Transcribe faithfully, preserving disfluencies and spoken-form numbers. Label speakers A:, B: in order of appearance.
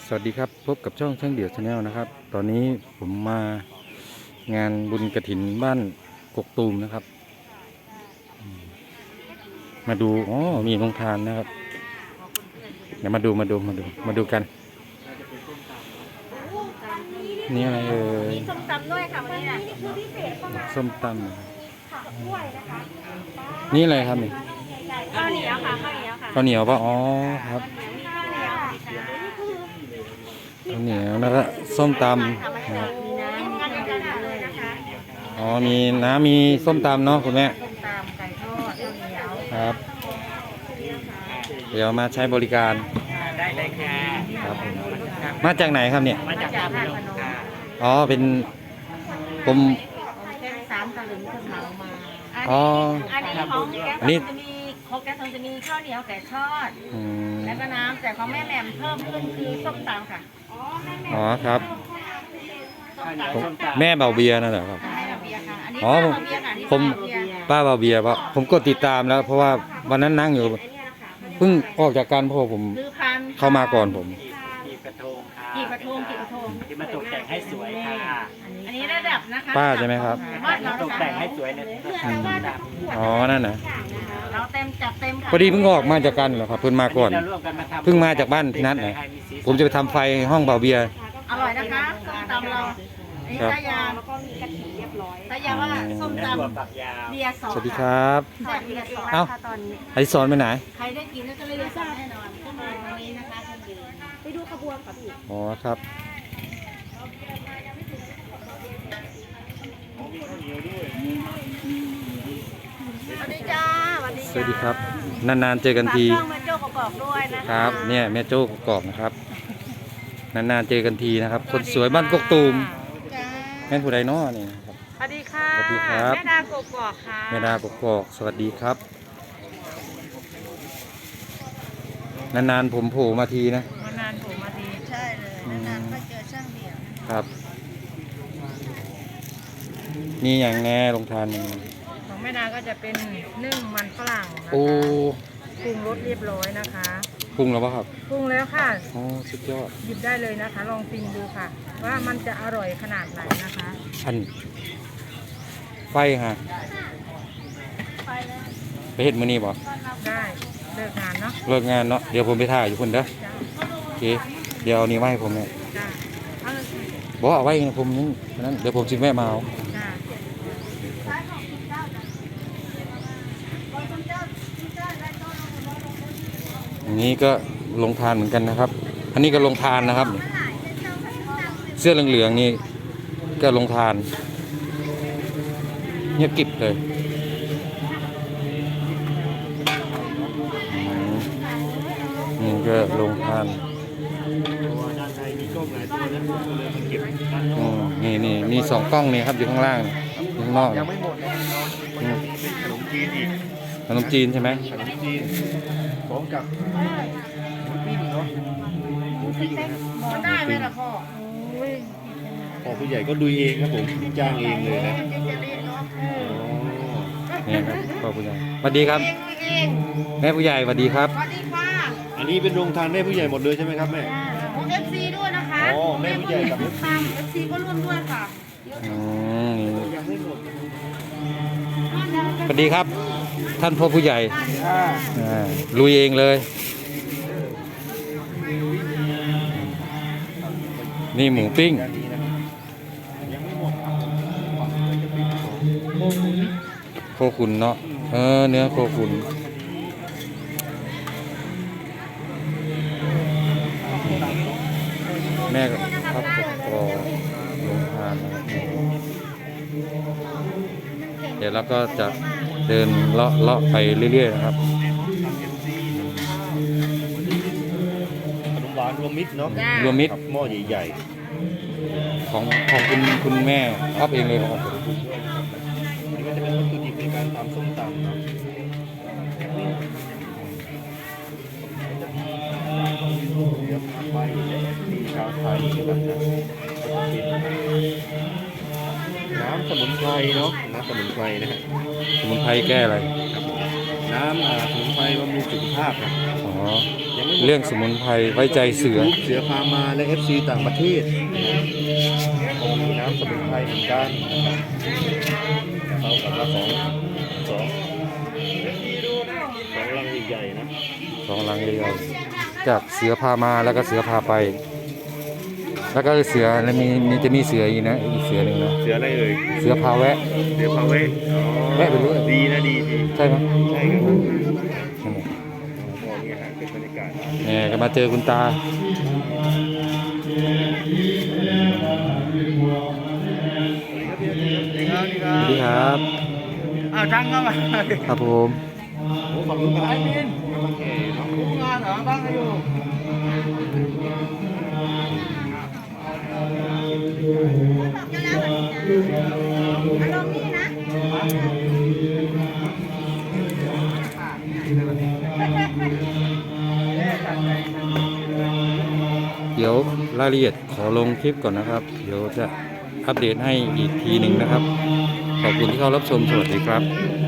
A: สวัสดีครับพบกับช่องช่างเดี่ยวชาแนลนะครับตอนนี้ผมมางานบุญกฐินบ้านกกตูมนะครับมาดูอ๋อมีโรงทานนะครับเดี๋ยวมาดูมาดูมาดูมาดูกันนี่อะไรเอ่ย
B: ส้มตำด้วยค่ะวันนี้นะ
A: ส้มตำนี่อะไรครับนี่
B: ข้าวเหนียวค่ะข้าวเหนียวค่ะ
A: ข้าวเหนียวป่ะอ๋อครับ
B: มีข้าวเหนียวค่ะ
A: ข้าวเหนียวแล้วก็ส้มตำ
B: มี
A: นะครับ
B: น้ำมีกันกันเลยนะคะ
A: อ๋อมีน้ำมีส้มตำเนาะคุณแม่
B: ส้มตำไก่ทอดข้าวเหนียว
A: ครับ เดี๋ยวมาใช้บริการ
C: ได้เลยค่ะ
A: ครับผมมาจากไหนครับเนี่ย
C: มาจากท่าพนมค่ะ
A: อ๋อเป็นผม
B: แค่สามตะลึงคนเหมามา
A: อ๋อ
B: อันนี้ของแกง
A: อันนี้
B: จะมีของแกงจะมีข้าวเหนียวไก่ทอด
A: อืม
B: แล้วก็น้ำแต่ของแม่แหม่มเพิ่มขึ้นคือส้มตำค่ะ
A: อ๋อครับ
B: ส้ม
A: ผม
B: ตำ
A: แม่เบาเบียร์นั่นแหละครับ
B: ให้เราเบียร์ค่ะอันนี้
A: อ๋อ
B: ป้าเราเบียร์ค่ะอันนี้
A: ผม
B: ป้าเราเบียร์
A: ป้าเบาเบียร์เพราะผมกดติดตามแล้ว เพราะว่าวันนั้นนั่งอยู่เพิ่งออกจากการเพราะผม
B: ลือพัน
A: เข้ามาก่อนผม
C: กีบกระทงค่ะ
B: กี่กระทงกี่กระทง
C: ที่มาตกแต่งให้สวยค่ะ
B: อันนี้ระดับนะคะ
A: ป้าใช่ไหมครับ
B: บ้านเรา
C: ตก
B: นะคะ
C: แต่งให้สวยใน
A: อืมอ๋อนั่นนะ
B: เราเต็มจัดเต็มค่ะ
A: พอดีเพิ่งออกมาจากกันเหรอครับเพิ่งมาก่อน
C: เราร่วมกันมาทำ
A: เพิ่งมาจากบ้านพี่นัทนะผมจะไปทำไฟห้องเบาเบียร์
B: อร่อยนะคะส้มตำเราอันนี้
A: ครับ
B: ตายาแล้วก็มีกะทิเรียบร้อยตายาว่าส้ม
C: และ
B: ต
C: ถั่วฝักยาว
B: ำเบียร์สอง
A: สวัสดีครับ
B: สวัสดีค่ะ
A: เอ้า
B: ตอนนี้
A: อดิศรไปไหน
B: ใครได้กินแล้วก็เลยได้สั่งแน่นอนขึ้นมาตรงนี้นะคะคุณดีไปดูขบวนค่ะพี่
A: อ๋อครับ
B: สวัสดีจ้าสวัสดี
A: สวัสดีครับนานๆเจอกันที
B: ฝากช่องแม่โจ้กอกๆด้วยนะะ
A: ครับเนี่ยแม่โจ้กอกนะครับนานๆเจอกันทีนะครับ คนสวยบ้านกกตูม
B: จ้า
A: แม่นผู้ใดน้อนี่ครับ
B: สวัสดีค่ะ
A: สวัสดีครับ
B: แม่ดากกอกค่ะ
A: แม่ดากกอกสวัสดีครับนานๆผมโผล่มาทีนะ
B: มานานผมมาดีใช่เลย
A: อืม
B: นานๆก็เจอช่างเดี่ยว
A: ครับนี่อย่างแน่ลงทานนี่
B: ของแม่ดาก็จะเป็นนึ่งมันฝรั่งนะคะ
A: โอ้
B: ปรุงรสเรียบร้อยนะคะ
A: ปรุงแล้วป่ะครับ
B: ปรุงแล้วค่ะ
A: อ๋อสุดยอด
B: หยิบได้เลยนะคะ ลองชิมดูค่ะ ว่ามันจะอร่อยขนาดไหนนะคะ
A: อันไฟฮะ
B: ไปเลย
A: ไปเห็ดมือนี่บ่
B: ได้เลิกงานเนาะ
A: เลิกงานเนาะเดี๋ยวผมไปถ่ายอยู่คนเด้อ
B: จ้า
A: โอเคเดี๋ยวเอานี้มาให้ผมเนี่ย
B: จ้าเอาเลยสิ
A: บอกเอาไว้นะผมนั่นนั้นเดี๋ยวผมจิแม่มาเอา
B: จ้า
A: อันนี้ก็ลงทานเหมือนกันนะครับ อันนี้ก็ลงทานนะครับ เสื้อเหลืองๆนี่ก็ลงทานเงียบกริบเลยอืมนี่ก็ลงทาน
C: ตัวด้านในมีกล้องหลายตัวนะผมก็เลยมาเก็บด้านน
A: อื
C: อก
A: มนี่นี่มีสองกล้องนี่ครับอยู่ข้างล่างอยู่ข้างนอก
C: ยังไม่หมดนะน้องมันยังมีเป็นขนมจีนอีก
A: ขนมจีนใช่ไหม
C: ขนมจีนพร้อมกับหมูปิ้งเนาะหมูปิ้งนะ
B: มันได้ไหมล่ะพ่อโอ้ย
C: พ่อผู้ใหญ่ก็ดูเองครับผมจ้างเองเลยนะ
B: เจ๊จะเล่นเนาะเออ
A: นี่ครับพ่อผู้ใหญ่สวัสดีครับ
B: เองเอง
A: แม่ผู้ใหญ่สวัสดีครับ
B: สวัสดีค่ะ
C: อันนี้เป็นโรงทานแม่ผู้ใหญ่หมดเลยใช่ไหมครับแม่
B: ของเอฟซีด้วยนะคะ
C: อ๋อแม่ผู้ใหญ่กับ
B: เอฟซีเอฟซีก็ร่วมด้วยค่ะ
A: อืมนี่
C: ยังไม่หมด
A: สวัสดีครับ ท่านพ่อผู้ใหญ่
C: อ่า
A: อ่าลุยเองเลย นี่หมูปิ้ง
C: ด้านนี้นะยังไม่หมด
A: โคขุนเนาะเออเนื้อโคขุนแม่ก็ครับก็ลงทานนะครับเดี๋ยวเราก็จะเดินเลาะเลาะไปเรื่อยๆนะครับ
C: ขนมหวานรวมมิตรเนาะ
A: รวมมิตร
C: กับหม้อใหญ่
A: ของของคุณคุณแม่ชอบเองเลยครับ
C: ๆนี่ก็จะเป็นวัตถุดิบในการทำส้มตำเนาะเดี๋ยวผักใบและมีชาวไทยนะครับนะก็จะเป็นน้ำสมุนไพรเนาะน้ำสมุนไพรนะฮะ
A: สมุนไพรแก้อะไร
C: น้ำอ่าสมุนไพรบำรุงสุขภาพนะ
A: อ๋อ
C: ยังไม่หมด
A: เรื่องสมุนไพรไว้ใจเสือ
C: เสือพามาและ เอฟ ซี ต่างประเทศก็มีน้ำสมุนไพรเหมือนกันนะครับเท่ากับละสองสองสองลังใหญ่ๆนะ
A: สองลังใหญ่ๆจากเสือพามาแล้วก็เสือพาไป แล้วก็เสือแล้วมีมีจะมีเสืออีกนะอีกเสือหนึ่งนะ
C: เสืออะไรเอ่ย
A: เสือพาแวะ
C: เสือพาเวะอ๋อ
A: แวะไปเรื่อย
C: ดีนะดีดี
A: ใช่ไหม
C: ใช่ครับผม
A: นั่นแหละ
C: มองเนี่ยฮะเป็นบรรยากาศ
A: เนี่ยก็มาเจอคุณตา สวัสดีครับ
C: อ้าวจังเข้ามา
A: ครับผม
C: โอ้ฝั่งนู้นไอ้มินโอเคเนาะรู้งานเหรอบ้างก็อยู่
B: บอกกันแล้ววันนี้นะอารมณ์นี่นะ
A: เดี๋ยวรายละเอียดขอลงคลิปก่อนนะครับ เดี๋ยวจะอัปเดตให้อีกทีหนึ่งนะครับ ขอบคุณที่เข้ารับชม สวัสดีครับ